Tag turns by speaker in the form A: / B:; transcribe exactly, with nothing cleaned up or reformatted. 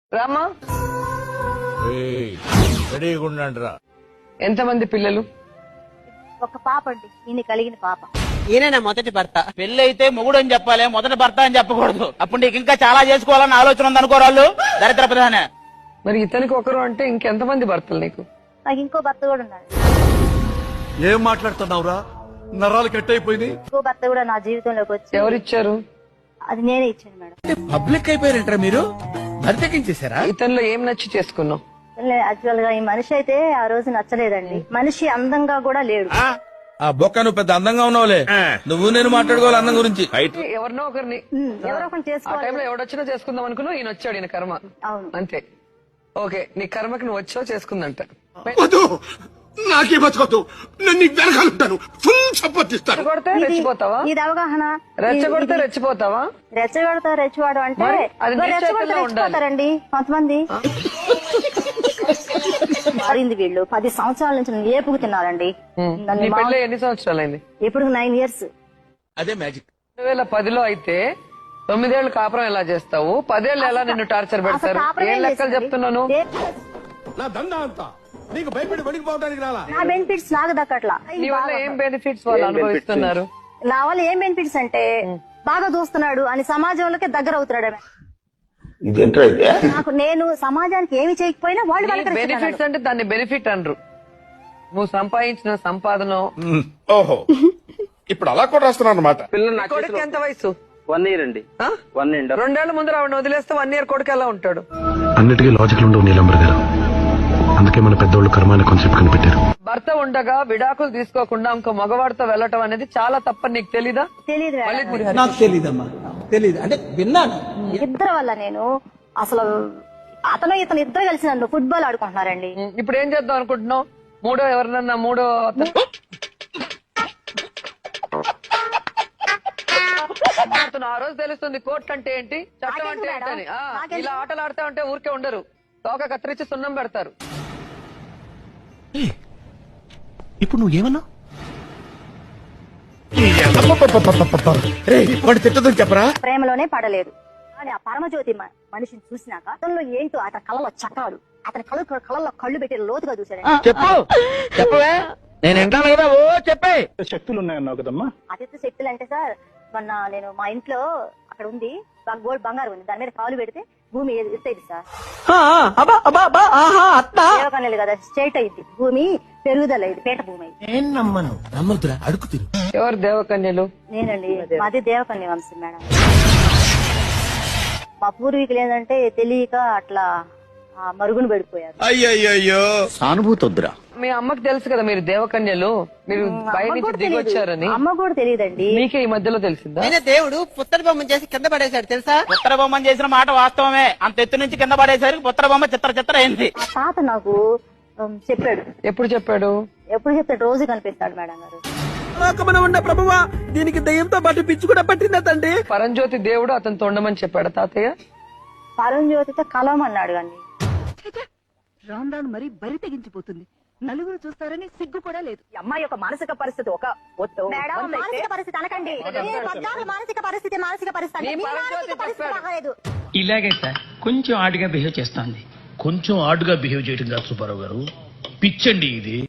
A: రామా
B: రెడీగా ఉండండిరా.
A: ఎంతమంది పిల్లలు?
C: ఒక పాప అండి, ఈయన కలిగిన పాప.
D: ఈయన మొదటి భర్త. పెళ్లి అయితే మొగుడు అని చెప్పాలి, మొదటి భర్త అని చెప్పకూడదు. అప్పుడు నీకు ఇంకా చాలా చేసుకోవాలని ఆలోచన ఉంది అనుకోరాళ్ళు దరిద్ర ప్రధాన.
A: మరి ఇతనికి ఒకరు అంటే ఇంకెంతమంది భర్తలు నీకు?
C: నాకు ఇంకో భర్త కూడా ఉన్నాడు.
B: ఏం మాట్లాడుతున్నావురా? నరాలు కట్ అయిపోయింది.
C: ఇంకో భర్త కూడా నా జీవితంలోకి వచ్చి.
A: ఎవరిచ్చారు?
C: అది నేనే ఇచ్చాను మేడం.
D: పబ్లిక్ అయిపోయారంటారా మీరు? భర్తకించేశారా?
A: ఇతనిలో ఏం నచ్చి చేసుకున్నావు?
C: యాక్చువల్ గా ఈ మనిషి అయితే ఆ రోజు నచ్చలేదండి. మనిషి అందంగా కూడా లేడు.
E: ఆ బొక్క నువ్వు పెద్ద అందంగా ఉన్నావులే, నువ్వు నేను మాట్లాడుకోవాలి అందం గురించి.
A: ఎవరినో ఒకరిని
C: ఎవరో ఒకరిని
A: ఆ
C: చేసుకోవాలి.
A: టైంలో ఎవడొచ్చినా చేసుకుందాం అనుకున్నావు, ఈయన వచ్చాడు, ఈయన కర్మ.
C: అవును.
A: అంతే. ఓకే, నీ కర్మకి నువ్వు వచ్చావు, చేసుకుందంట.
F: వద్దు, నాకే బతకొద్దు, నేను నీకు వెనకాలంటాను, ఫుల్ సపోర్ట్ ఇస్తాను.
A: రెచ్చగొడితే
C: ఇది-
A: రెచ్చిపోతావా?
C: ఇది అవగాహన.
A: రెచ్చగొడితే
C: ఇది-
A: రెచ్చిపోతావా?
C: రెచ్చగొడతా రెచ్చివాడు అంటే
A: మరి అది నీ
C: రెచ్చగొడితే
A: చేతుల్లో ఉండాలి.
C: రెచ్చిపోతారండి కొంతమంది. మారింది వీళ్ళు. పది సంవత్సరాల నుంచి నన్ను ఏపుకు తిన్నారండి. నన్ను
A: నీ
C: మా-
A: పెళ్ళి ఎన్ని సంవత్సరాలైంది?
C: ఇప్పుడు నైన్ ఇయర్స్.
E: అదే మ్యాజిక్.
A: రెండు వేల పదిలో అయితే తొమ్మిదేళ్లు కాపురం ఎలా చేస్తావు? పదేళ్ళు ఎలా నిన్ను టార్చర్ పెడతారు? ఏం లెక్కలు చెప్తున్నాను?
F: నా దందా అంతా నీకు భయపడి పడిపోవడానికి రాలా.
C: నా బెనిఫిట్స్ నాకు దక్కట్లా.
A: నీ వల్ల ఏం బెనిఫిట్స్ వాళ్ళు అనుభవిస్తున్నారు?
C: నా వల్ల ఏం బెనిఫిట్స్ అంటే బాగా చూస్తున్నాడు అని సమాజంలోకి దగ్గర అవుతున్నాడు. నాకు నేను సమాజానికి ఏమి చేయకపోయినా వాళ్ళు
A: బెనిఫిట్స్ అంటే దాన్ని బెనిఫిట్ అనరు. నువ్వు సంపాదించిన సంపాదన.
F: ఓహో, ఇప్పుడు అలా కూడా రాస్తున్నాను అనమాట.
A: కొడుకు ఎంత వయసు?
G: వన్ ఇయర్ అండి.
A: ఆ?
G: వన్ అండ్
A: రెండేళ్ల ముందు ఆవిడ వదిలేస్తే వన్ ఇయర్ కొడుకు ఎలా ఉంటాడు?
H: అన్నిటికీ లాజికల్ ఉండవు నీలంబర్ గారు, అందుకే మన పెద్దోళ్ళు కర్మాన్ని కాన్సెప్ట్ కనిపెట్టారు.
A: భర్త ఉండగా విడాకులు తీసుకోకుండా ఇంకో మగవాడితో వెళ్ళటం అనేది చాలా తప్పని నీకు తెలీదా?
C: తెలియదు.
D: నాకు తెలీదమ్మా, తెలీదు అంటే విన్నాను.
C: ఇద్దరు వల్ల నేను అసలు అతను ఇతను ఇద్దరు కలిసి నన్ను ఫుట్బాల్ ఆడుకుంటున్నారండి.
A: ఇప్పుడు ఏం చేద్దాం అనుకుంటున్నావు? మూడో ఎవరినన్నా మూడో అతను అతను ఆ రోజు తెలుస్తుంది కోర్టు అంటే ఏంటి, చట్టం అంటే ఏంటని. ఆ, ఇలా ఆటలు ఆడుతా ఉంటే ఊరికే ఉండరు, తోక కత్తిరించి సున్నం పెడతారు.
E: ఇప్పుడు నువ్వు ఏమన్నా
F: వాడు తిట్టదని చెప్పరా?
C: ప్రేమలోనే పడలేదు కానీ ఆ పరమజ్యోతి మ- మనిషిని చూసినాక అతనిలో ఏంటో అతని కళ్ళలో చక్రాలు, అతని కళ్ళు కళ్ళలో కళ్ళు పెట్టి లోతుగా చూశాడు.
D: చెప్పు చెప్పవే, నేను వింటాను కదా. ఓ చెప్పే.
G: శక్తులు ఉన్నాయన్నావు కదమ్మా.
C: అతిథి శక్తులు అంటే సార్, మొన్న నేను మా ఇంట్లో అక్కడ ఉంది గోల్డ్ బంగారు ఉంది, దాని మీద కాలు పెడితే భూమి ఎత్తైంది సార్. దేవకన్యలు కదా, స్ట్రైట్ అయింది భూమి, పెరుగుదల అయింది, పేట భూమి అయింది.
E: నమ్మను నమ్మద్దురా, అడుగు తిరు.
A: ఎవరు దేవకన్యలు?
C: నేనండి, మాది దేవకన్య వంశం మేడం. మా పూర్వీకులు ఏంటంటే తెలియక అట్లా ఆ మరుగున పడిపోయారు.
F: అయ్యయ్యో,
E: సానుభూతి వద్దురా.
A: మీ అమ్మకి తెలుసు కదా మీరు దేవకన్యలు, మీరు బయట
C: అమ్మ
A: నుంచి
C: కూడా
A: దిగొచ్చారని.
C: తెలీదు. అమ్మ కూడా తెలియదండి.
A: మీకే ఈ మధ్యలో తెలిసిందా?
D: ఆయన దేవుడు పుత్తడి బొమ్మను చేసి కింద పడేశాడు తెలుసా? పుత్తడి బొమ్మను చేసిన మాట వాస్తవమే. అంత ఎత్తు నుంచి కింద పడేసరికి పుత్తడి బొమ్మ చిత్ర చిత్ర అయింది.
C: ఆ తాత నాకు ఉమ్, చెప్పాడు.
A: ఎప్పుడు చెప్పాడు?
C: ఎప్పుడు చెప్తాడు, రోజు కనిపిస్తాడు మేడం గారు.
D: ఉన్న ప్రభువా, దీనికి దయ్యంతో పాటు పిచ్చి కూడా పట్టిందా తండ్రి?
A: పరంజ్యోతి దేవుడు అతను తొండమని చెప్పాడు తాతయ్య.
C: పరంజ్యోతితో కలవమన్నాడు కానీ
I: రాను రాను మరీ బరి తెగించిపోతుంది. నలుగురు చూస్తారని సిగ్గు కూడా లేదు.
J: ఈ అమ్మాయి యొక్క మానసిక పరిస్థితి ఒక ఒత్తు.
C: మేడం, మానసిక పరిస్థితి అనకండి. ఏ పద్నాలుగు మానసిక పరిస్థితి మానసిక పరిస్థితి అంటే
A: నీ
C: మీ
A: పరంజ్యోతి
C: మానసిక పరిస్థితి
A: చెప్పాడు.
C: బాగాలేదు.
K: ఇలాగే సార్ కొంచెం ఆడుగా బిహేవ్ చేస్తోంది. కొంచెం ఆడుగా బిహేవ్ చేయడం కాదు సుబ్బారావు గారు, పిచ్చండి ఇది.